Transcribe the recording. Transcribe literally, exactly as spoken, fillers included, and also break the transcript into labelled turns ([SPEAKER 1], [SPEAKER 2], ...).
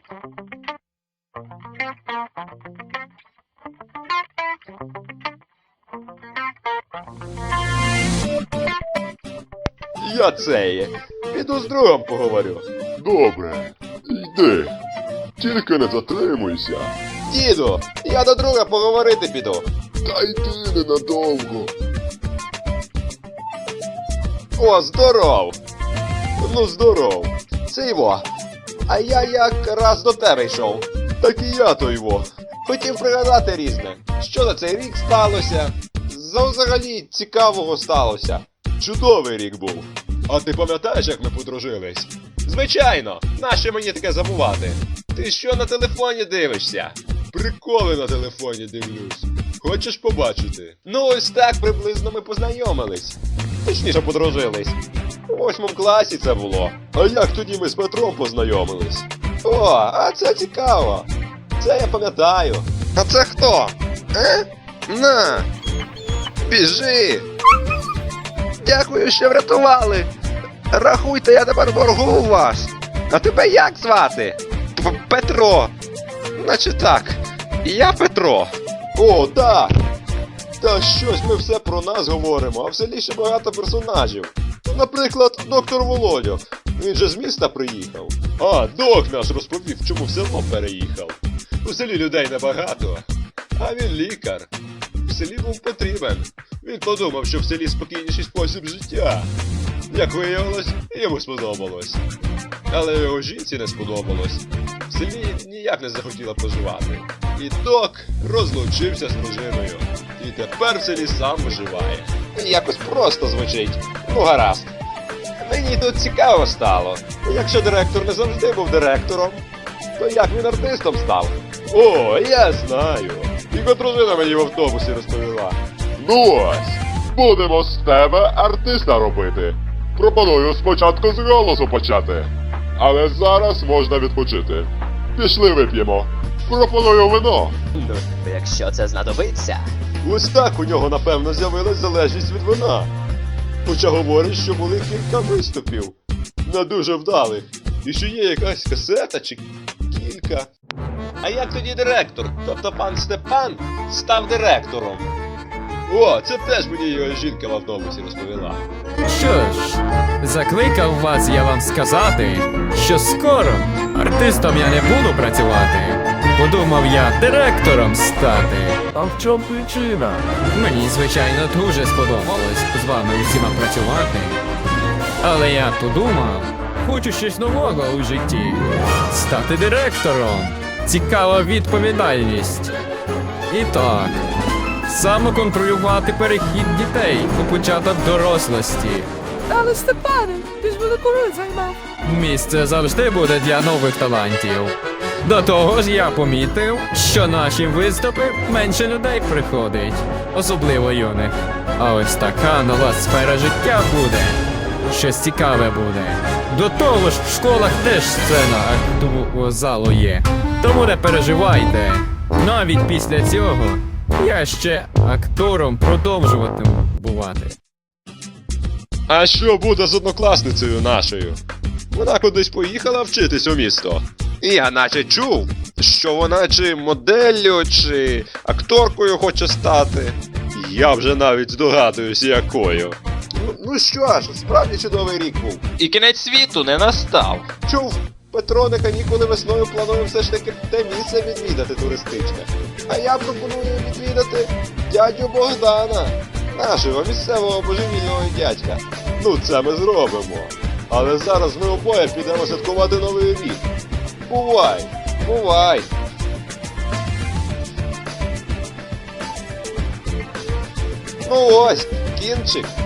[SPEAKER 1] Я цей. Піду з другом поговорю.
[SPEAKER 2] Добре, йди. Тільки не затримуйся.
[SPEAKER 1] Діду, я до друга поговорити піду.
[SPEAKER 2] Та йди ненадовго.
[SPEAKER 1] О, здоров! Ну, здоров. Це його. А я якраз до тебе йшов. Так і я то його. Хотів пригадати різне. Що за цей рік сталося? За взагалі цікавого сталося. Чудовий рік був. А ти пам'ятаєш, як ми подружились? Звичайно! Нащо мені таке забувати? Ти що на телефоні дивишся? Приколи на телефоні дивлюсь. Хочеш побачити? Ну ось так приблизно ми познайомились. Точніше подружились. У восьмому класі це було. А як тоді ми з Петром познайомились? О, а це цікаво. Це я пам'ятаю. А це хто? Е? На! Біжи! Дякую, що врятували! Рахуйте, я тепер в боргу у вас! А тебе як звати? П Петро! Наче так. Я Петро. О, так! Та щось ми все про нас говоримо, а в селі ще багато персонажів. Наприклад, доктор Володьок. Він же з міста приїхав. А, док наш розповів, чому в село переїхав. У селі людей небагато, а він лікар. В селі був потрібен. Він подумав, що в селі спокійніший спосіб життя. Як виявилось, йому сподобалось. Але його жінці не сподобалось. В селі ніяк не захотіла проживати. І док розлучився з дружиною. І тепер в селі сам виживає. Якось просто звучить. Ну гаразд. Мені тут цікаво стало. Якщо директор не завжди був директором, то як він артистом став? О, я знаю. Його дружина мені в автобусі розповіла.
[SPEAKER 2] Ну ось, будемо з тебе артиста робити. Пропоную спочатку з голосу почати. Але зараз можна відпочити. Пішли вип'ємо. Пропоную вино.
[SPEAKER 3] Ну, якщо це знадобиться.
[SPEAKER 1] Ось так у нього, напевно, з'явилась залежність від вина. Хоча говорить, що були кілька виступів. Не дуже вдалих. І що є якась касета чи кілька. А як тоді директор, тобто пан Степан, став директором? О, це теж мені його жінка в автобусі розповіла.
[SPEAKER 4] Що ж, закликав вас я вам сказати, що скоро артистом я не буду працювати. Подумав я директором стати.
[SPEAKER 5] А в чому причина?
[SPEAKER 4] Мені, звичайно, дуже сподобалось з вами усіма працювати. Але я подумав, хочу щось нового у житті. Стати директором. Цікава відповідальність. І так, самоконтролювати перехід дітей у початок дорослості.
[SPEAKER 5] Але Степане, ти ж мене коли займав.
[SPEAKER 4] Місце завжди буде для нових талантів. До того ж я помітив, що наші виступи менше людей приходить, особливо юних. А ось така нова сфера життя буде. Щось цікаве буде. До того ж в школах теж сцена актового залу є. Тому не переживайте. Навіть після цього я ще актором продовжуватиму бувати.
[SPEAKER 1] А що буде з однокласницею нашою? Вона кудись поїхала вчитись у місто. І я наче чув, що вона чи моделлю, чи акторкою хоче стати. Я вже навіть здогадуюсь, якою. Ну, ну що ж, справді чудовий рік був. І кінець світу не настав. Чув, Петро на канікули весною планує все ж таки те місце відвідати туристичне. А я пропоную відвідати дядю Богдана, нашого місцевого божевільного дядька. Ну це ми зробимо. Але зараз ми обоє підемо святкувати Новий рік. Бувай, бувай. Ну ось, кінчик.